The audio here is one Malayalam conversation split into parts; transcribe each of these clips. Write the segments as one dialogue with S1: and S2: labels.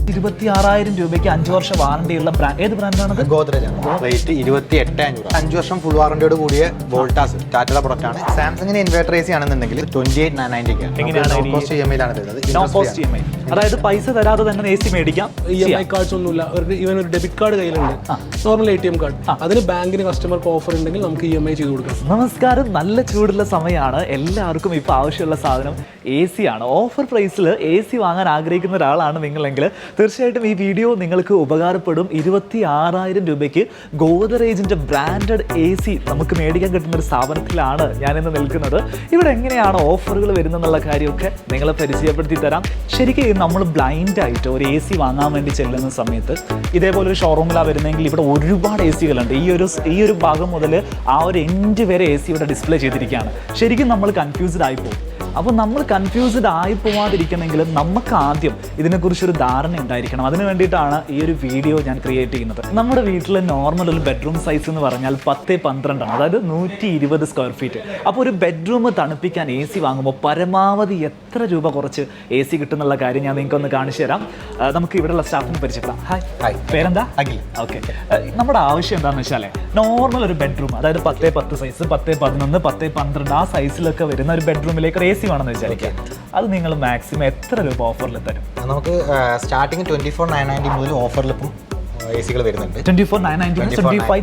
S1: 26,000 രൂപയ്ക്ക് 5 വർഷം വാറണ്ടിയുള്ള ബ്രാൻഡ്. ഏത് ബ്രാൻഡാണത്?
S2: ഗോദ്രേജ് ആണ്. റേറ്റ് 28,500. 5 വർഷം ഫുൾ വാറണ്ടിയോട് കൂടിയ വോൾട്ടാസ് ടാറ്റയുടെ പ്രൊഡക്റ്റ് ആണ്. സാംസങ്ങിന് ഇൻവേർട്ടർ AC ആണെന്നുണ്ടെങ്കിൽ 28,990
S1: എങ്ങനെയാണ്
S2: കോസ്റ്റ് EMI ലാണ് വരുന്നത്.
S1: നോ കോസ്റ്റ് EMI, അതായത് പൈസ തരാതെ തന്നെ AC മേടിക്കാം.
S3: EMI കാർഡ്സ് ഒന്നുമില്ല. ഇവൻ ഒരു ഡെബിറ്റ് കാർഡ് കയ്യിലുണ്ട്, നോർമൽ ATM കാർഡ്. അതിന് ബാങ്കിന് കസ്റ്റമർക്ക് ഓഫർ ഉണ്ടെങ്കിൽ നമുക്ക് EMI ചെയ്ത് കൊടുക്കാം.
S1: നമസ്കാരം, നല്ല ചൂടുള്ള സമയമാണ്. എല്ലാവർക്കും ഇപ്പോൾ ആവശ്യമുള്ള സാധനം AC ആണ്. ഓഫർ പ്രൈസിൽ AC വാങ്ങാൻ ആഗ്രഹിക്കുന്ന ഒരാളാണ് നിങ്ങളെങ്കിൽ തീർച്ചയായിട്ടും ഈ വീഡിയോ നിങ്ങൾക്ക് ഉപകാരപ്പെടും. 26,000 രൂപയ്ക്ക് ഗോദ്രേജിൻ്റെ ബ്രാൻഡഡ് AC നമുക്ക് മേടിക്കാൻ കിട്ടുന്ന ഒരു സ്ഥാപനത്തിലാണ് ഞാനിന്ന് നിൽക്കുന്നത്. ഇവിടെ എങ്ങനെയാണ് ഓഫറുകൾ വരുന്നതെന്നുള്ള കാര്യമൊക്കെ നിങ്ങളെ പരിചയപ്പെടുത്തി തരാം. ശരിക്കും നമ്മൾ ബ്ലൈൻഡായിട്ട് ഒരു AC വാങ്ങാൻ വേണ്ടി ചെല്ലുന്ന സമയത്ത് ഇതേപോലെ ഒരു ഷോറൂമിലാണ് വരുന്നതെങ്കിൽ ഇവിടെ ഒരുപാട് AC കളുണ്ട്. ഈ ഒരു ഭാഗം മുതൽ ആ ഒരു എൻഡ് വരെ AC ഇവിടെ ഡിസ്പ്ലേ ചെയ്തിരിക്കുകയാണ്. ശരിക്കും നമ്മൾ കൺഫ്യൂസ്ഡ് ആയിപ്പോകും. അപ്പോൾ നമ്മൾ കൺഫ്യൂസ്ഡ് ആയി പോവാതിരിക്കണമെങ്കിൽ നമുക്ക് ആദ്യം ഇതിനെക്കുറിച്ചൊരു ധാരണ ഉണ്ടായിരിക്കണം. അതിന് വേണ്ടിയിട്ടാണ് ഈ ഒരു വീഡിയോ ഞാൻ ക്രിയേറ്റ് ചെയ്യുന്നത്. നമ്മുടെ വീട്ടിലെ നോർമൽ ഒരു ബെഡ്റൂം സൈസ് എന്ന് പറഞ്ഞാൽ 10x12 ആണ്, അതായത് 120 സ്ക്വയർ ഫീറ്റ്. അപ്പോൾ ഒരു ബെഡ്റൂം തണുപ്പിക്കാൻ AC വാങ്ങുമ്പോൾ പരമാവധി എത്ര രൂപ കുറച്ച് AC കിട്ടുന്നുള്ള കാര്യം ഞാൻ നിങ്ങൾക്കൊന്ന് കാണിച്ചു തരാം. നമുക്ക് ഇവിടെയുള്ള സ്റ്റാഫിന് പരിചയപ്പെടാം. ഹായ്, പേരെന്താ?
S2: അഖിൽ.
S1: ഓക്കെ, നമ്മുടെ ആവശ്യം എന്താണെന്ന് വെച്ചാൽ നോർമൽ ഒരു ബെഡ്റൂം, അതായത് 10x10 സൈസ്, 10x11, 10x12 ആ സൈസിലൊക്കെ വരുന്ന ഒരു ബെഡ്റൂമിലേക്ക് ഒരു AC വേണമെന്ന് വിചാരിക്കാം. അത് നിങ്ങൾ മാക്സിമം എത്ര രൂപ ഓഫറിൽ തരും?
S2: നമുക്ക് സ്റ്റാർട്ടിങ് 24,990 മുതൽ ഓഫറിൽ ഇപ്പം AC കൾ വരുന്നുണ്ട്.
S1: 24,990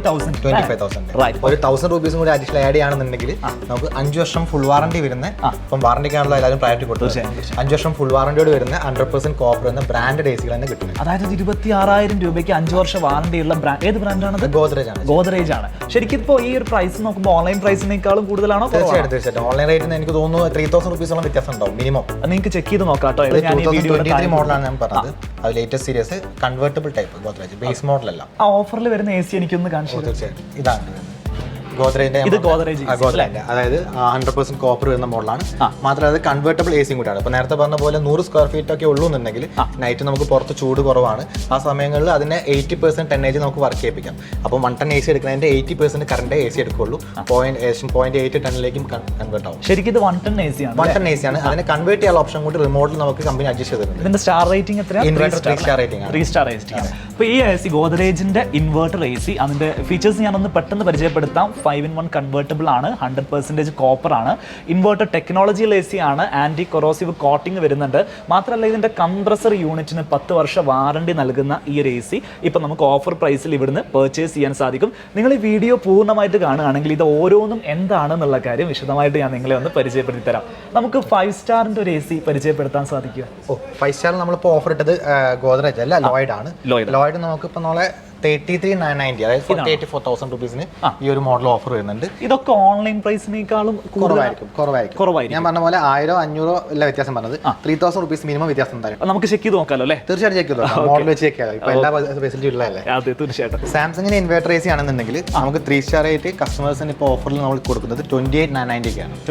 S1: 25,000.
S2: ഒരു 1,000 രൂപീസും കൂടി അഡീഷണൽ ആഡ് ചെയ്യുകയാണെന്നുണ്ടെങ്കിൽ നമുക്ക് 5 വർഷം ഫുൾ വാറണ്ടി വരുന്ന, ഇപ്പം വാറണ്ടിക്കാണല്ലോ എല്ലാവരും പ്രയോറിറ്റി കൊടുത്തത്, 5 വർഷം ഫുൾ വാറണ്ടിയോട് വരുന്ന 100% കോപ്പർ എന്ന ബ്രാൻഡഡ് AC കൾ തന്നെ കിട്ടുന്നത്.
S1: അതായത് 26,000 രൂപയ്ക്ക് 5 വർഷം വാറണ്ടിയുള്ള ബ്രാൻഡ്. ഏത് ബ്രാൻഡാണത്? ഗോദ്രേജ് ആണ്. ശരിക്കും ഇപ്പോൾ ഈ ഒരു പ്രൈസ് നോക്കുമ്പോൾ ഓൺലൈൻ പ്രൈസിനേക്കാളും കൂടുതലാണോ?
S2: തീർച്ചയായിട്ടും ഓൺലൈൻ റേറ്റിന് എനിക്ക് തോന്നുന്നു 3,000 രൂപീസോളം വ്യത്യാസം ഉണ്ടാവും മിനിമം.
S1: നിങ്ങൾക്ക് ചെക്ക് ചെയ്ത് നോക്കാം കേട്ടോ.
S2: 2023 മോഡലാണ് ഞാൻ പറഞ്ഞത്. അത് latest series convertible type Godrej base മോഡലല്ല.
S1: ആ ഓഫറിൽ വരുന്ന AC എനിക്കൊന്ന് കാണിച്ചു.
S2: തീർച്ചയായിട്ടും ഇതാണ് ഗോദ്രേജിന്റെ, അതായത് 100% കോപ്പർ വരുന്ന മോഡലാണ്. മാത്രമല്ല അത് കൺവേർട്ടബിൾ AC കൂടിയാണ്. ഇപ്പൊ നേരത്തെ പറഞ്ഞ പോലെ 100 സ്ക്വയർ ഫീറ്റ് ഒക്കെ ഉള്ളൂ എന്നുണ്ടെങ്കിൽ നൈറ്റ് നമുക്ക് പുറത്ത് ചൂട് കുറവാണ്. ആ സമയങ്ങളിൽ അതിനെ 80% ടെന്നേജ് നമുക്ക് വർക്ക് ചെയ്യിപ്പിക്കാം. അപ്പം 1 ടൺ AC എടുക്കുന്നതിന്റെ 80% കറണ്ട് AC എടുക്കുള്ളൂ. 0.8 ടണ്ണിലേക്കും കൺവേർട്ട് ആവും.
S1: ശരിക്കും ഇത് 1 ടൺ AC ആണ്.
S2: 1 ടൺ AC ആണ്. അതിനെ കൺവേർട്ട് ചെയ്യാനുള്ള ഓപ്ഷൻ കൂടി റിമോട്ടിൽ നമുക്ക് കമ്പനി അഡ്ജസ്റ്റ് ചെയ്തിട്ടുണ്ട്.
S1: ഇതിന്റെ സ്റ്റാർ റേറ്റിംഗ് എത്രയാണ്?
S2: 3 സ്റ്റാർ റേറ്റിംഗ് ആണ്.
S1: 3 സ്റ്റാർ റേറ്റിംഗ് ആണ്. അപ്പോൾ ഈ AC ഗോദ്രേജിന്റെ ഇൻവേർട്ടർ AC, അതിന്റെ ഫീച്ചേഴ്സ് ഞാനൊന്ന് പെട്ടെന്ന് പരിചയപ്പെടുത്താം. 5-in-1 കൺവേർട്ടബിൾ ആണ്, 100% കോപ്പർ ആണ്, ഇൻവേർട്ടർ ടെക്നോളജിയിൽ AC ആണ്, ആന്റി കൊറോസീവ് കോട്ടിംഗ് വരുന്നുണ്ട്. മാത്രമല്ല ഇതിന്റെ കംപ്രസർ യൂണിറ്റിന് 10 വർഷം വാറണ്ടി നൽകുന്ന ഈ ഒരു AC ഇപ്പൊ നമുക്ക് ഓഫർ പ്രൈസിൽ ഇവിടുന്ന് പർച്ചേസ് ചെയ്യാൻ സാധിക്കും. നിങ്ങൾ ഈ വീഡിയോ പൂർണ്ണമായിട്ട് കാണുകയാണെങ്കിൽ ഇത് ഓരോന്നും എന്താണെന്നുള്ള കാര്യം വിശദമായിട്ട് ഞാൻ നിങ്ങളെ ഒന്ന് പരിചയപ്പെടുത്തി തരാം. നമുക്ക് 5 സ്റ്റാറിന്റെ ഒരു AC പരിചയപ്പെടുത്താൻ സാധിക്കും.
S2: 5 സ്റ്റാർ നമ്മളിപ്പോൾ ഓഫർ ഇട്ടത് ഗോദ്രേജ് അല്ല, ലോയിഡ് ആണ്. ലോയിഡ് നമുക്ക് ഇപ്പൊ നാളെ 33,990, അതായത് 84,000 രൂപീസിന് ഈ ഒരു മോഡൽ ഓഫർ വരുന്നുണ്ട്.
S1: ഇതൊക്കെ ഓൺലൈൻ പ്രൈസിനേക്കാളും കുറവായിരിക്കും.
S2: ഞാൻ പറഞ്ഞ പോലെ 1,000-500 അല്ല വ്യത്യാസം പറഞ്ഞത്, 3,000 രൂപീസ് മിനിമം വ്യത്യാസം ഉണ്ടായിരുന്നു.
S1: നമുക്ക് ചെക്ക് ചെയ്ത് നോക്കാമല്ലോ അല്ലേ?
S2: തീർച്ചയായിട്ടും ചെക്ക് ചെയ്തു. മോഡൽ വെച്ച് ചെക്ക് ചെയ്യാം. ഇപ്പൊ എല്ലാ ഫെസിലിറ്റി ഉള്ളതല്ലേ?
S1: അതെ, തീർച്ചയായിട്ടും.
S2: സാംസങ്ങിന് ഇൻവേർട്ടർ AC ആണെന്നുണ്ടെങ്കിൽ നമുക്ക് 3 സ്റ്റാർ ആയിട്ട് കസ്റ്റമേഴ്സിന് ഇപ്പോൾ ഓഫറിൽ നമ്മൾ കൊടുക്കുന്നത് 28,990 ആണ്.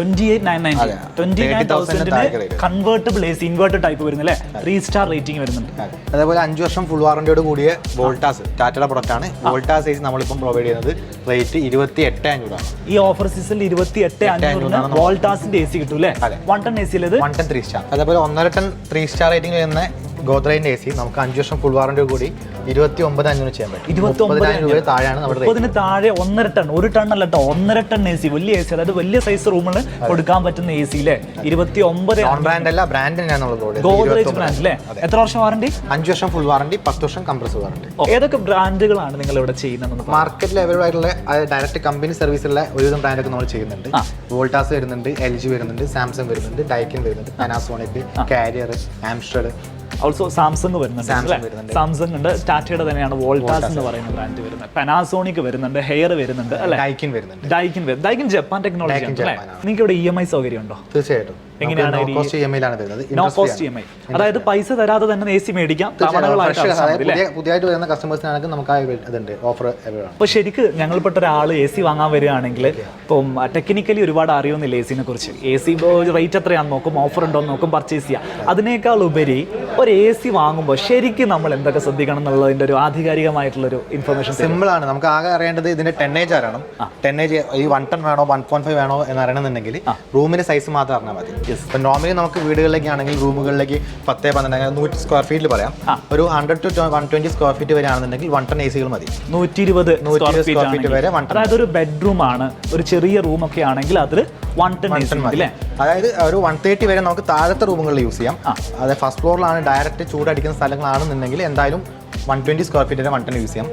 S1: 28,990 കൺവേർട്ടബിൾ AC ഇൻവേർട്ടർ ടൈപ്പ് വരുന്നില്ലേ? 3 സ്റ്റാർ റേറ്റിംഗ് വരുന്നുണ്ട്.
S2: അതേപോലെ 5 വർഷം ഫുൾ വാറണ്ടിയോട് കൂടിയ വോൾട്ടാസ് ടാറ്റയുടെ പ്രൊഡക്റ്റ് ആണ്. വോൾട്ടാസ് AC നമ്മളിപ്പം പ്രൊവൈഡ് ചെയ്യുന്നത് റേറ്റ് 28,500 ആണ്.
S1: ഈ ഓഫർ സീസണിൽ 28,500 വോൾട്ടാസിന്റെ AC കിട്ടും അല്ലേ? 1 ടൺ AC
S2: 1 ടൺ 3 സ്റ്റാർ. അതേപോലെ 1.5 ടൺ 3 സ്റ്റാർ റേറ്റിംഗ് വരുന്ന ഗോദ്രേജിന്റെ AC നമുക്ക് 5 വർഷം ഫുൾ വാറണ്ടി കൂടി 29,500 ചെയ്യാൻ പറ്റും.
S1: 29,000
S2: രൂപ താഴെയാണ് നമ്മുടെ
S1: 30-ന് താഴെ 1.5 ടൺ, 1 ടൺ അല്ല കേട്ടോ, 1.5 ടൺ AC, വലിയ AC, അതായത് വലിയ സൈസ് റൂമിന് കൊടുക്കാൻ പറ്റുന്ന AC അല്ലേ? 29,000.
S2: ബ്രാൻഡ് അല്ല, ബ്രാൻഡ് തന്നെയാണ്
S1: ഗോദ്രേജ് ബ്രാൻഡ് അല്ലേ? എത്ര വർഷം വാറണ്ടി?
S2: 5 വർഷം ഫുൾ വാറണ്ടി, 10 വർഷം കംപ്രസർ വാറണ്ടി.
S1: ഏതൊക്കെ ബ്രാൻഡുകളാണ് നിങ്ങൾ ഇവിടെ ചെയ്യുന്നത്?
S2: മാർക്കറ്റിൽ അവൈലബിൾ ആയിട്ടുള്ള ഡയറക്റ്റ് കമ്പനി സർവീസുള്ള ഒരുവിധം ബ്രാൻഡൊക്കെ നമ്മൾ ചെയ്യുന്നുണ്ട്. വോൾട്ടാസ് വരുന്നുണ്ട്, LG വരുന്നുണ്ട്, സാംസങ് വരുന്നുണ്ട്, ഡൈക്കിൻ വരുന്നുണ്ട്, Panasonic, Carrier, Amstrad,
S1: also Samsung വരുന്നുണ്ട്. സാംസങ് ഉണ്ട്, ടാറ്റയുടെ തന്നെയാണ് വോൾട്ടാസ് എന്ന് പറയുന്ന ബ്രാൻഡ് വരുന്നത്. പാനാസോണിക് വരുന്നുണ്ട്, ഹെയർ വരുന്നുണ്ട് അല്ലേ? ഡൈക്കിൻ ജപ്പാൻ ടെക്നോളജി ആണ് അല്ലേ? നിങ്ങൾക്ക് ഇവിടെ EMI സൗകര്യം ഉണ്ടോ?
S2: തീർച്ചയായിട്ടും.
S1: എങ്ങനെയാണ്?
S2: നോ കോസ്റ്റ് EMI ലാണ് വരുന്നത്.
S1: നോ കോസ്റ്റ് EMI, അതായത് പൈസ തരാതെ തന്നെ AC മേടിക്കാം.
S2: പുതിയതായിട്ട് വരുന്ന കസ്റ്റമേഴ്സിനാണെങ്കിൽ നമുക്ക് അതുണ്ട് ഓഫർ.
S1: അപ്പോൾ ശരിക്ക് ഞങ്ങൾപ്പെട്ട ഒരാൾ AC വാങ്ങാൻ വരികയാണെങ്കിൽ ഇപ്പം ടെക്നിക്കലി ഒരുപാട് അറിയുന്നില്ല AC-നെ കുറിച്ച്. AC റേറ്റ് എത്രയാണെന്ന് നോക്കും, ഓഫർ ഉണ്ടോ എന്ന് നോക്കും, പർച്ചേസ് ചെയ്യാം. അതിനേക്കാൾ ഉപരി ഒരു AC വാങ്ങുമ്പോൾ ശരിക്കും നമ്മൾ എന്തൊക്കെ ശ്രദ്ധിക്കണം എന്നുള്ളതിന്റെ ഒരു ആധികാരികമായിട്ടുള്ളൊരു ഇൻഫർമേഷൻ.
S2: സിമ്പിൾ ആണ്. നമുക്ക് ആകെ അറിയേണ്ടത് ഇതിന്റെ ടെന്നേജ് അറിയണം. ടെന്നേജ് ഈ 1 ടൺ വേണോ 1.5 വേണോ എന്ന് അറിയണമെന്നുണ്ടെങ്കിൽ റൂമിന്റെ സൈസ് മാത്രം അറിഞ്ഞാൽ മതി. ഇപ്പൊ നോർമലി നമുക്ക് വീടുകളിലേക്ക് ആണെങ്കിൽ റൂമുകളിലേക്ക് 10-12 സ്ക്വയർ ഫീറ്റിൽ പറയാം. ഒരു 100 to 120 സ്ക്വയർ ഫീറ്റ് വരെ ആണെന്നുണ്ടെങ്കിൽ 1 ton AC മതി.
S1: 120
S2: സ്ക്വയർ ഫീറ്റ് വരെ 1 ton.
S1: അതായത് ഒരു ബെഡ്റൂം ആണ്, ഒരു ചെറിയ റൂം ഒക്കെ ആണെങ്കിൽ അതിൽ 1 ton AC മതി.
S2: അതായത് ഒരു 130 വരെ നമുക്ക് താഴത്തെ റൂമുകളിൽ യൂസ് ചെയ്യാം. അതായത് ഫസ്റ്റ് ഫ്ലോറിലാണ് ഡയറക്റ്റ് ചൂടടിക്കുന്ന സ്ഥലങ്ങളാണെന്നുണ്ടെങ്കിൽ എന്തായാലും 120 സ്ക്വയർ ഫീറ്റ് വരെ 1 ton യൂസ് ചെയ്യാം.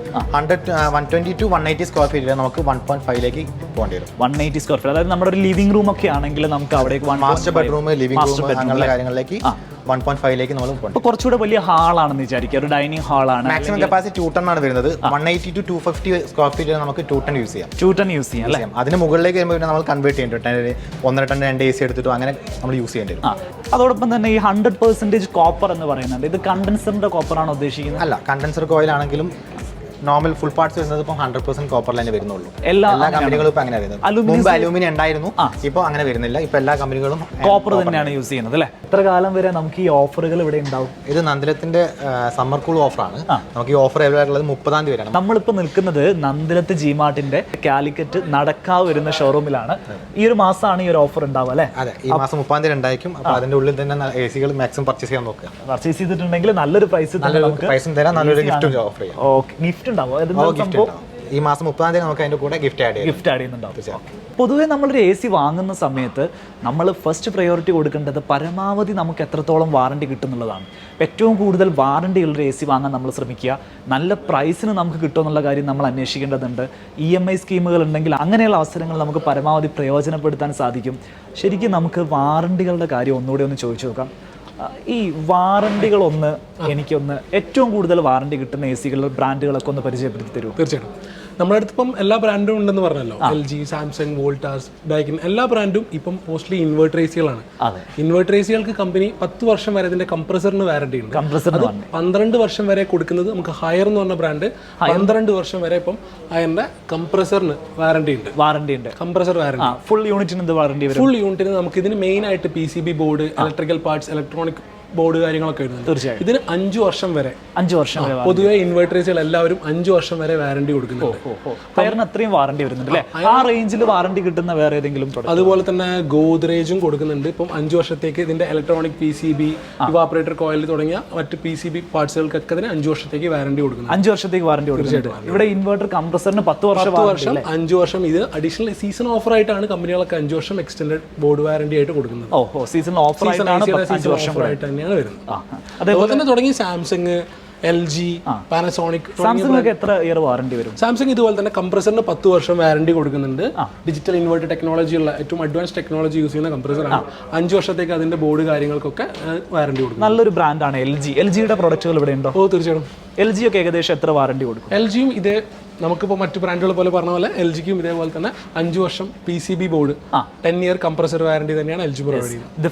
S2: 120 to 180 സ്ക്വയർ ഫീറ്റ് വരെ നമുക്ക് 1.5ലേക്ക് പോകേണ്ടി വരും.
S1: 180 സ്ക്വയർ ഫീറ്റ്, അതായത് നമ്മുടെ ഒരു ലിവിംഗ് റൂം ഒക്കെ ആണെങ്കിൽ നമുക്ക് അവിടെ
S2: മാസ്റ്റർ ബെഡ്റൂം, ലിവിംഗ് റൂം അങ്ങനെയുള്ള കാര്യങ്ങളിലേക്ക് 1.5ലേക്ക് നമ്മൾ പോകും.
S1: അപ്പോൾ കുറച്ചുകൂടെ വലിയ ഹാളാണെന്ന് വിചാരിക്കുക, ഒരു ഡൈനിങ് ഹാളാണ്.
S2: മാക്സിമം കപ്പാസിറ്റി 2 ton ആണ് വരുന്നത്. 180 to 250 സ്ക്വയർ ഫീറ്റ് വരെ നമുക്ക് 2 ton യൂസ് ചെയ്യാം.
S1: 2 ton യൂസ് ചെയ്യാം അല്ലേ?
S2: അതിന് മുകളിലേക്ക് വരുമ്പോൾ നമ്മൾ കൺവേർട്ട് ചെയ്യേണ്ടി 1.5 ton 2 AC എടുത്തിട്ടോ അങ്ങനെ നമ്മൾ യൂസ് ചെയ്യേണ്ടി വരും.
S1: അതോടൊപ്പം തന്നെ ഈ 100% കോപ്പർ എന്ന് പറയുന്നുണ്ട്, ഇത് കണ്ടൻസറിന്റെ കോപ്പർ ആണോ ഉദ്ദേശിക്കുന്നത്?
S2: അല്ല, കണ്ടൻസർ കോയിൽ ആണെങ്കിലും നോർമൽ ഫുൾ പാർട്സ് വരുന്നത് ഇപ്പോൾ 100% കോപ്പറിൽ തന്നെ വരുന്നുള്ളൂ.
S1: എല്ലാ
S2: കമ്പനികളും ഇപ്പൊ അങ്ങനെ വരുന്നത്. മുമ്പ് അലൂമിനിയം ഉണ്ടായിരുന്നു, ഇപ്പോൾ അങ്ങനെ വരുന്നില്ല. ഇപ്പൊ എല്ലാ കമ്പനികളും
S1: കോപ്പർ തന്നെയാണ് യൂസ് ചെയ്യുന്നത് അല്ലേ? എത്ര കാലം വരെ നമുക്ക് ഈ ഓഫറുകൾ ഇവിടെ ഉണ്ടാവും?
S2: ഇത് നന്ദിലത്തിന്റെ സമ്മർ കൂൾ ഓഫറാണ്. നമുക്ക് ഈ ഓഫർ അവൈലബിൾ ആയിട്ടുള്ളത് 30-ാം തീയതി വരെയാണ്.
S1: നമ്മളിപ്പോൾ നിൽക്കുന്നത് നന്ദിലത്ത് ജിമാർട്ടിന്റെ കാലിക്കറ്റ് നടക്കാവ് വരുന്ന ഷോറൂമിലാണ്. ഈ ഒരു മാസമാണ് ഈ ഒരു ഓഫർ ഉണ്ടാവുക അല്ലേ?
S2: അതെ, ഈ മാസം 30-ാം തീയതി ഉണ്ടായിരിക്കും. അപ്പോൾ അതിന്റെ ഉള്ളിൽ തന്നെ AC കൾ മാക്സിമം പർച്ചേസ് ചെയ്യാൻ നോക്കുക.
S1: പർച്ചേസ് ചെയ്തിട്ടുണ്ടെങ്കിൽ നല്ലൊരു പ്രൈസ്
S2: തരാം, നല്ലൊരു ഗിഫ്റ്റ് ഓഫർ ചെയ്യാം.
S1: ഓക്കെ, ഗിഫ്റ്റ് ഉണ്ടാവും
S2: ഈ മാസം 30-ാം തീയതി നമുക്ക് അതിന്റെ കൂടെ ഗിഫ്റ്റ് ആഡ്
S1: ചെയ്യുന്നുണ്ടാവും. പൊതുവെ നമ്മളൊരു AC വാങ്ങുന്ന സമയത്ത് നമ്മൾ ഫസ്റ്റ് പ്രയോറിറ്റി കൊടുക്കേണ്ടത് പരമാവധി നമുക്ക് എത്രത്തോളം വാറണ്ടി കിട്ടുന്നുള്ളതാണ്. ഏറ്റവും കൂടുതൽ വാറണ്ടിയുള്ളൊരു AC വാങ്ങാൻ നമ്മൾ ശ്രമിക്കുക. നല്ല പ്രൈസിന് നമുക്ക് കിട്ടുമെന്നുള്ള കാര്യം നമ്മൾ അന്വേഷിക്കേണ്ടതുണ്ട്. EMI സ്കീമുകൾ ഉണ്ടെങ്കിൽ അങ്ങനെയുള്ള അവസരങ്ങൾ നമുക്ക് പരമാവധി പ്രയോജനപ്പെടുത്താൻ സാധിക്കും. ശരിക്കും നമുക്ക് വാറണ്ടികളുടെ കാര്യം ഒന്നുകൂടി ഒന്ന് ചോദിച്ചു നോക്കാം. ഈ വാറണ്ടികളൊന്ന് എനിക്കൊന്ന് ഏറ്റവും കൂടുതൽ വാറണ്ടി കിട്ടുന്ന AC കളുടെ ബ്രാൻഡുകളൊക്കെ ഒന്ന് പരിചയപ്പെടുത്തി തരുമോ?
S3: തീർച്ചയായിട്ടും. നമ്മുടെ അടുത്ത് ഇപ്പം എല്ലാ ബ്രാൻഡും ഉണ്ടെന്ന് പറഞ്ഞല്ലോ. LG, സാംസങ്, വോൾട്ടാസ്, ഡൈക്കിൻ എല്ലാ ബ്രാൻഡും ഇപ്പം മോസ്റ്റ്ലി ഇൻവേർട്ടർ ACകളാണ്. ഇൻവേർട്ടർ ACകൾക്ക് കമ്പനി 10 വർഷം വരെ ഇതിന്റെ കംപ്രസറിന് വാറണ്ടി ഉണ്ട്. അത് 12 വർഷം വരെ കൊടുക്കുന്നത് നമുക്ക് ഹയർ എന്ന് പറഞ്ഞ ബ്രാൻഡ് 12 വർഷം വരെ ഇപ്പം അതിന്റെ കംപ്രസറിന് വാറണ്ടി ഉണ്ട്. കംപ്രസർ വാറണ്ടി
S1: ഫുൾ യൂണിറ്റിന് വാറണ്ടി വരും.
S3: ഫുൾ യൂണിറ്റിന് നമുക്ക് ഇതിന് മെയിൻ ആയിട്ട് PCB board, electrical parts, electronic board കാര്യങ്ങളൊക്കെ വരുന്നുണ്ട്.
S1: തീർച്ചയായും
S3: ഇതിന് 5 വർഷം വരെ
S1: പൊതുവെ
S3: ഇൻവേർട്ടേഴ്സുകൾ എല്ലാവരും 5 വർഷം വരെ വാറണ്ടി കൊടുക്കുന്നുണ്ട്.
S1: ഹയറിന് അത്രയും വാറണ്ടി വരുന്നുണ്ട് അല്ലേ? ആ റേഞ്ചിൽ വാറണ്ടി കിട്ടുന്ന വേറെ ഏതെങ്കിലും?
S3: അതുപോലെ തന്നെ ഗോദ്രേജും കൊടുക്കുന്നുണ്ട്. ഇപ്പം 5 വർഷത്തേക്ക് ഇതിന്റെ ഇലക്ട്രോണിക് PCB, ഇവാപ്പറേറ്റർ കോയിൽ തുടങ്ങിയ മറ്റ് PCB പാർട്സുകൾക്കൊക്കെ അതിന് 5 വർഷത്തേക്ക് വാറണ്ടി കൊടുക്കുന്നു.
S1: 5 വർഷത്തേക്ക് വാറണ്ടി കൊടുക്കുന്നുണ്ട്. ഇവിടെ ഇൻവേർട്ടർ കംപ്രസറിന് 10 വർഷം
S3: 5 വർഷം. ഇത് അഡീഷണൽ സീസൺ ഓഫർ ആയിട്ടാണ് കമ്പനികളൊക്കെ 5 വർഷം എക്സ്റ്റൻഡഡ് ബോർഡ് വാറണ്ടി ആയിട്ട് കൊടുക്കുന്നത്.
S1: സീസൺ ഓഫർ ആയിട്ടാണ് 5 വർഷം
S3: വരുന്നത്. അതേപോലെ തന്നെ തുടങ്ങി സാംസങ്, LG, പാനസോണിക്.
S1: സാംസങ് എത്ര ഇയർ വാറണ്ടി വരും?
S3: സാംസങ് ഇതുപോലെ തന്നെ കംപ്രസറിന് 10 വർഷം വാറണ്ടി കൊടുക്കുന്നുണ്ട്. ഡിജിറ്റൽ ഇൻവേർട്ടർ ടെക്നോളജി ഉള്ള ഏറ്റവും അഡ്വാൻസ് ടെക്നോളജി യൂസ് ചെയ്യുന്ന കംപ്രസറാണ്. 5 വർഷത്തേക്ക് അതിന്റെ ബോർഡ് കാര്യങ്ങൾക്കൊക്കെ വാറണ്ടി കൊടുക്കും.
S1: നല്ലൊരു ബ്രാൻഡാണ് LG. LGയുടെ പ്രൊഡക്റ്റുകൾ ഇവിടെ ഉണ്ടോ?
S3: തീർച്ചയായിട്ടും.
S1: LG ഒക്കെ ഏകദേശം എത്ര വാറണ്ടി കൊടുക്കും?
S3: LGയും ഇതേ നമുക്കിപ്പോൾ മറ്റു ബ്രാൻഡുകൾ പോലെ പറഞ്ഞ പോലെ LGക്കും ഇതേപോലെ തന്നെ 5 വർഷം PCB board 10 year compressor warranty തന്നെയാണ് LG പ്രൊവൈഡ് ചെയ്യുന്നത്.
S1: ഇത്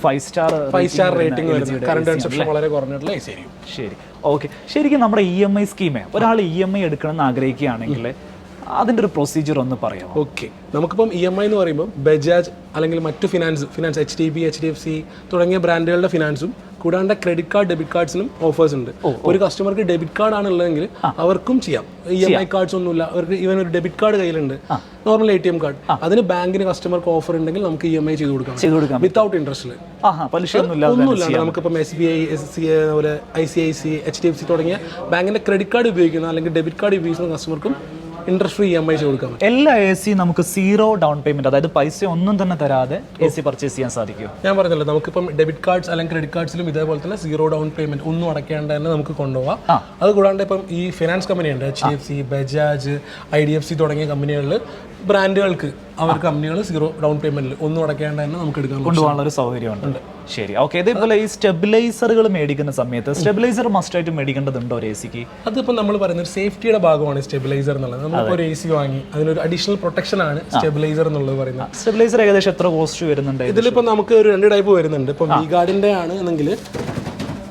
S1: 5
S3: സ്റ്റാർ റേറ്റിംഗ് വരുന്നത്. കറണ്ട് കൺസപ്ഷൻ വളരെ കുറഞ്ഞിട്ടുള്ള AC ആയിരിക്കും.
S1: ശരി, ഓക്കെ. ശരിക്കും നമ്മുടെ EMI സ്കീമേ, ഒരാൾ EMI എടുക്കണം എന്ന് ആഗ്രഹിക്കുകയാണെങ്കിൽ അതിൻ്റെ ഒരു പ്രൊസീജിയർ ഒന്ന് പറയാം.
S3: ഓക്കെ, നമുക്കിപ്പം EMI എന്ന് പറയുമ്പോൾ ബജാജ് അല്ലെങ്കിൽ മറ്റു ഫിനാൻസ് HDB, HDFC തുടങ്ങിയ ബ്രാൻഡുകളുടെ ഫിനാൻസും കൂടാണ്ട് ക്രെഡിറ്റ് കാർഡ്, ഡെബിറ്റ് കാർഡ്സിനും ഓഫേഴ്സ് ഉണ്ട്. ഒരു കസ്റ്റമർക്ക് ഡെബിറ്റ് കാർഡ് ആണുള്ളതെങ്കിൽ അവർക്കും ചെയ്യാം. EMI കാർഡ്സ് ഒന്നുമില്ല, അവർക്ക് ഈവൻ ഒരു ഡെബിറ്റ് കാർഡ് കയ്യിലുണ്ട്, നോർമൽ ATM കാർഡ്, അതിന് ബാങ്കിന് കസ്റ്റമർക്ക് ഓഫർ ഉണ്ടെങ്കിൽ നമുക്ക് EMI ചെയ്ത് കൊടുക്കാം വിത്തൗട്ട് ഇൻട്രസ്റ്റിൽ. ഒന്നുമില്ല. നമുക്കിപ്പം SBI, SCA, അതുപോലെ ICICI, HDFC തുടങ്ങിയ ബാങ്കിന്റെ ക്രെഡിറ്റ് കാർഡ് ഉപയോഗിക്കുന്ന അല്ലെങ്കിൽ ഡെബിറ്റ് കാർഡ് ഉപയോഗിക്കുന്ന കസ്റ്റമർക്കും ഇൻട്രസ്റ്റ് ഫ്രീ EMI കൊടുക്കാം.
S1: എല്ലാ AC നമുക്ക് 0 ഡൗൺ പേയ്മെന്റ്, അതായത് പൈസ ഒന്നും തന്നെ തരാതെ AC പർച്ചേസ് ചെയ്യാൻ സാധിക്കും.
S3: ഞാൻ പറഞ്ഞല്ലോ, നമുക്കിപ്പം ഡെബിറ്റ് കാർഡ്സ് അല്ലെങ്കിൽ ക്രെഡിറ്റ് കാർഡ്സിലും ഇതേപോലെ തന്നെ 0 ഡൗൺ പേയ്മെന്റ് ഒന്നും അടയ്ക്കാണ്ട് തന്നെ നമുക്ക് കൊണ്ടുപോകാം. അത് കൂടാണ്ട് ഇപ്പം ഈ ഫിനാൻസ് കമ്പനിയുണ്ട്, HDFC, ബജാജ്, IDFC തുടങ്ങിയ കമ്പനികളിൽ ബ്രാൻഡുകൾക്ക് അവർ കമ്പനികൾ 0 ഡൗൺ പേയ്മെന്റിൽ ഒന്നും അടയ്ക്കാണ്ട് തന്നെ നമുക്ക് എടുക്കാൻ
S1: കൊണ്ടുപോകാനുള്ള ഒരു സൗകര്യമുണ്ട്. ശരി, ഓക്കെ. ഇതേപോലെ ഈ സ്റ്റെബിലൈസറുകൾ മേടിക്കുന്ന സമയത്ത് സ്റ്റെബിലൈസർ മസ്റ്റ് ആയിട്ട് മേടിക്കേണ്ടതുണ്ടോ ഒരു AC ക്ക്?
S3: അതിപ്പോൾ നമ്മൾ പറയുന്ന ഒരു സേഫ്റ്റിയുടെ ഭാഗമാണ് സ്റ്റെബിലൈസർ എന്നുള്ളത്. നമ്മളിപ്പോൾ ഒരു AC വാങ്ങി അതിനൊരു അഡീഷണൽ പ്രൊട്ടക്ഷൻ ആണ് സ്റ്റെബിലൈസർ എന്നുള്ളത് പറയുന്നത്.
S1: സ്റ്റെബിലൈസർ ഏകദേശം എത്ര കോസ്റ്റ് വരുന്നുണ്ട്?
S3: ഇതിലിപ്പോൾ നമുക്ക് ഒരു 2 ടൈപ്പ് വരുന്നുണ്ട്. ഇപ്പം V-Guardന്റെ ആണ് എന്നെങ്കിൽ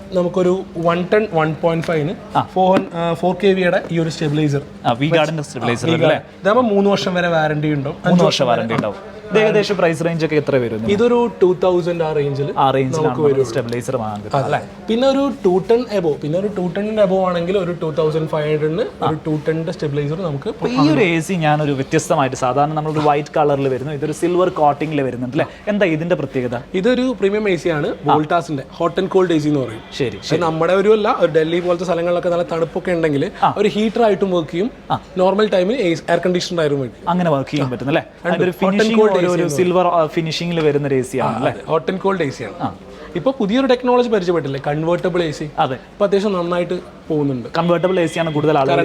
S3: നമുക്കൊരു 110 1.5 4 kVയുടെ ഈ ഒരു സ്റ്റെബിലൈസർ
S1: വി ഗാർഡിന്റെ സ്റ്റെബിലൈസർ അല്ലേ?
S3: ഇതാകുമ്പോൾ 3 വർഷം വരെ വാറണ്ടി ഉണ്ടാവും.
S1: 3 വർഷം വാറണ്ടി ഉണ്ടാവും. ഇത് ഏകദേശം പ്രൈസ് റേഞ്ച് ഒക്കെ എത്ര വരും?
S3: ഇതൊരു 2000 ആ റേഞ്ചിൽ
S1: സ്റ്റെബിലൈസർ വാങ്ങാൻ കിട്ടും.
S3: പിന്നെ ഒരു 210 എബോ, പിന്നെ ഒരു 210 എബോ ആണെങ്കിൽ ഒരു 2500 ഒരു 210 സ്റ്റെബിലൈസർ നമുക്ക്.
S1: ഈ ഒരു എ സി ഞാനൊരു വ്യത്യസ്തമായിട്ട്, സാധാരണ നമ്മളൊരു വൈറ്റ് കളറിൽ വരുന്നു, ഇതൊരു സിൽവർ കോട്ടിംഗിൽ വരുന്നുണ്ട് അല്ലേ? എന്താ ഇതിന്റെ പ്രത്യേകത?
S3: ഇതൊരു പ്രീമിയം എ സി ആണ്, വോൾട്ടാസിന്റെ hot and cold A C എന്ന് പറയും.
S1: ശരി.
S3: നമ്മുടെ ഒരു അല്ല, ഒരു ഡൽഹി പോലത്തെ സ്ഥലങ്ങളിലൊക്കെ നല്ല തണുപ്പൊക്കെ ഉണ്ടെങ്കിൽ ഒരു ഹീറ്റർ ആയിട്ടും വർക്ക് ചെയ്യും, നോർമൽ ടൈമിൽ എയർ കണ്ടീഷണർ ആയിരുന്നു വേണ്ടി അങ്ങനെ
S1: വർക്ക് ചെയ്യാൻ പറ്റും അല്ലേ? ഒരു സിൽവർ ഫിനിഷിംഗിൽ വരുന്ന എ സി ആണ്,
S3: hot and cold A C ആണ്. ഇപ്പൊ പുതിയൊരു ടെക്നോളജി പരിചയപ്പെട്ടില്ലേ, കൺവേർട്ടബിൾ എ സി.
S1: അതെ,
S3: ഇപ്പൊ അത്യാവശ്യം നന്നായിട്ട് പോകുന്നുണ്ട്.
S1: കൺവേർട്ടബിൾ എ സി ആണ് കൂടുതൽ ആളുകൾ.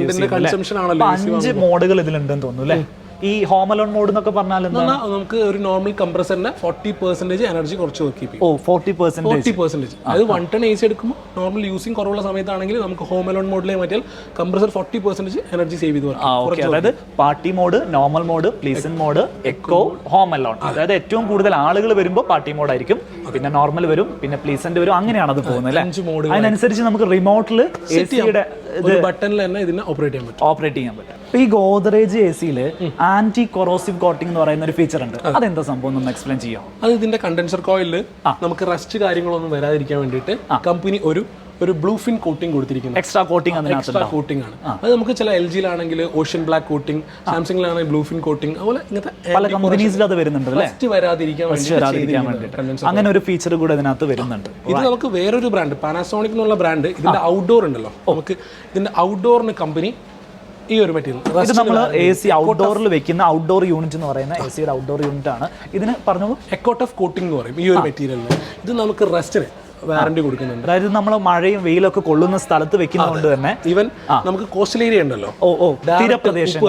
S1: 5 മോഡുകൾ ഇതിലുണ്ടെന്ന് തോന്നുന്നു അല്ലേ? ഈ ഹോം അലോൺ മോഡ് എന്നൊക്കെ പറഞ്ഞാൽ
S3: നമുക്ക് ഒരു നോർമൽ കംപ്രസറിന്റെ 40% എനർജി കുറച്ച് വർക്ക് ചെയ്യും.
S1: 40%.
S3: അത് 1 ടൺ എ സി എടുക്കുമ്പോൾ നോർമൽ യൂസിങ് കുറവുള്ള സമയത്താണെങ്കിൽ നമുക്ക് ഹോം അലോൺ മോഡിലെ മാറ്റിയാൽ കംപ്രസർ 40% എനർജി സേവ് ചെയ്ത് വർക്ക്.
S1: അതായത് party mode, normal mode, pleasant mode, eco, home alone. അതായത് ഏറ്റവും കൂടുതൽ ആളുകൾ വരുമ്പോൾ പാർട്ടി മോഡ് ആയിരിക്കും, പിന്നെ നോർമൽ വരും, പിന്നെ പ്ലീസന്റ് വരും, അങ്ങനെയാണ് അത് പോകുന്നത് അല്ലേ?
S3: 5 മോഡ്.
S1: അതിനനുസരിച്ച് നമുക്ക് റിമോട്ടിൽ
S3: ബട്ടണിൽ തന്നെ ഇതിനെ
S1: ഓപ്പറേറ്റ് ചെയ്യാൻ പറ്റും. ഈ ഗോദ്രേജ് എ സിയിൽ ആന്റി കൊറോസീവ് കോട്ടിംഗ് എന്ന് പറയുന്ന ഒരു ഫീച്ചർ ഉണ്ട്. അതെന്താ സംഭവം ഒന്ന് എക്സ്പ്ലെയിൻ ചെയ്യാം?
S3: അത് ഇതിന്റെ കണ്ടൻസർ കോയിലിൽ നമുക്ക് റസ്റ്റ് കാര്യങ്ങളൊന്നും വരാതിരിക്കാൻ വേണ്ടിയിട്ട് കമ്പനി ഒരു ബ്ലൂ ഫിൻ കോട്ടിംഗ് കൊടുത്തിരിക്കുന്നു.
S1: എക്സ്ട്രാ കോട്ടിംഗ് ആണ്.
S3: അത് നമുക്ക് ചില LG ലാണെങ്കിൽ ഓഷ്യൻ ബ്ലാക്ക് കോട്ടിംഗ്, സാംസങ്ങിലാണെങ്കിൽ ബ്ലൂ ഫിൻ കോട്ടിംഗ്, അതുപോലെ ഇങ്ങനത്തെ
S1: പല കമ്പനീസിലും അത് വരുന്നുണ്ട് അല്ലേ?
S3: വരാതിരിക്കാൻ വേണ്ടി
S1: അങ്ങനെ ഒരു ഫീച്ചർ കൂടെ ഇതിനകത്ത് വരുന്നുണ്ട്.
S3: ഇത് നമുക്ക് വേറൊരു ബ്രാൻഡ്, പാനാസോണിക് എന്നുള്ള ബ്രാൻഡ്, ഇതിന്റെ ഔട്ട്ഡോർ ഉണ്ടല്ലോ, നമുക്ക് ഇതിന്റെ ഔട്ട്ഡോറിന് കമ്പനി ഈ ഒരു മെറ്റീരിയൽ,
S1: ഇത് നമ്മൾ എ സി ഔട്ട്ഡോറിൽ വെക്കുന്ന ഔട്ട്ഡോർ യൂണിറ്റ് എന്ന് പറയുന്ന എ സിയുടെ ഔട്ട്ഡോർ യൂണിറ്റ് ആണ്. ഇതിന് പറഞ്ഞോളൂ
S3: എക്കോട്ടഫ് കോട്ടിംഗ് എന്ന് പറയും. ഈ ഒരു മെറ്റീരിയലിന് ഇത് നമുക്ക് റസ്റ്റിന് വാറണ്ടി കൊടുക്കുന്നുണ്ട്.
S1: അതായത് നമ്മൾ മഴയും വെയിലൊക്കെ കൊള്ളുന്ന സ്ഥലത്ത് വെക്കുന്നതുകൊണ്ട് തന്നെ
S3: ഈവൻ നമുക്ക് കോസ്റ്റൽ ഏരിയ ഉണ്ടല്ലോ,
S1: തീരപ്രദേശം,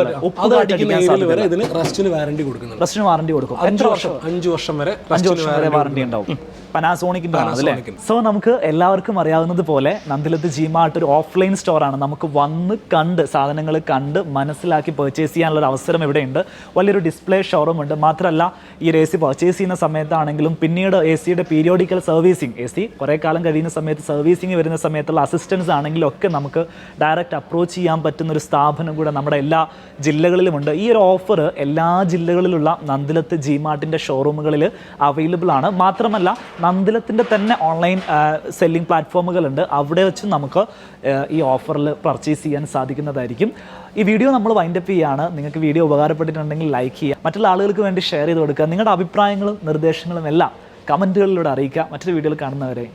S3: വരെ ഇതിന് റസ്റ്റിന് വാറണ്ടി കൊടുക്കുന്നുണ്ട്.
S1: റസ്റ്റിന് വാറണ്ടി കൊടുക്കും.
S3: 5 വർഷം വരെ
S1: വാറണ്ടി ഉണ്ടാവും. പനാസോണിക്കിന്റെ ആണ് അല്ലേ? സോ നമുക്ക് എല്ലാവർക്കും അറിയാവുന്നത് പോലെ നന്ദിലത്ത് ജിമാർട്ട് ഒരു ഓഫ്ലൈൻ സ്റ്റോറാണ്. നമുക്ക് വന്ന് കണ്ട് സാധനങ്ങൾ കണ്ട് മനസ്സിലാക്കി പർച്ചേസ് ചെയ്യാനുള്ള ഒരു അവസരം ഇവിടെയുണ്ട്. വലിയൊരു ഡിസ്പ്ലേ ഷോറൂം ഉണ്ട്. മാത്രമല്ല ഈ ഒരു എ സി പർച്ചേസ് ചെയ്യുന്ന സമയത്താണെങ്കിലും പിന്നീട് എ സിയുടെ പീരിയോഡിക്കൽ സർവീസിങ്, എ സി കുറേ കാലം കഴിയുന്ന സമയത്ത് സർവീസിങ് വരുന്ന സമയത്തുള്ള അസിസ്റ്റൻസ് ആണെങ്കിലും ഒക്കെ നമുക്ക് ഡയറക്റ്റ് അപ്രോച്ച് ചെയ്യാൻ പറ്റുന്ന ഒരു സ്ഥാപനം കൂടെ നമ്മുടെ എല്ലാ ജില്ലകളിലുമുണ്ട്. ഈ ഒരു ഓഫർ എല്ലാ ജില്ലകളിലുള്ള നന്ദിലത്ത് ജിമാർട്ടിൻ്റെ ഷോറൂമുകളിൽ അവൈലബിൾ ആണ്. മാത്രമല്ല നന്ദിലത്തിൻ്റെ തന്നെ ഓൺലൈൻ സെല്ലിംഗ് പ്ലാറ്റ്ഫോമുകളുണ്ട്. അവിടെ വെച്ച് നമുക്ക് ഈ ഓഫറിൽ പർച്ചേസ് ചെയ്യാൻ സാധിക്കുന്നതായിരിക്കും. ഈ വീഡിയോ നമ്മൾ വൈൻഡപ്പ് ചെയ്യുകയാണ്. നിങ്ങൾക്ക് വീഡിയോ ഉപകാരപ്പെട്ടിട്ടുണ്ടെങ്കിൽ ലൈക്ക് ചെയ്യുക, മറ്റുള്ള ആളുകൾക്ക് വേണ്ടി ഷെയർ ചെയ്ത് കൊടുക്കുക. നിങ്ങളുടെ അഭിപ്രായങ്ങളും നിർദ്ദേശങ്ങളും എല്ലാം കമൻറ്റുകളിലൂടെ അറിയിക്കുക. മറ്റൊരു വീഡിയോയിൽ കാണുന്നവരെ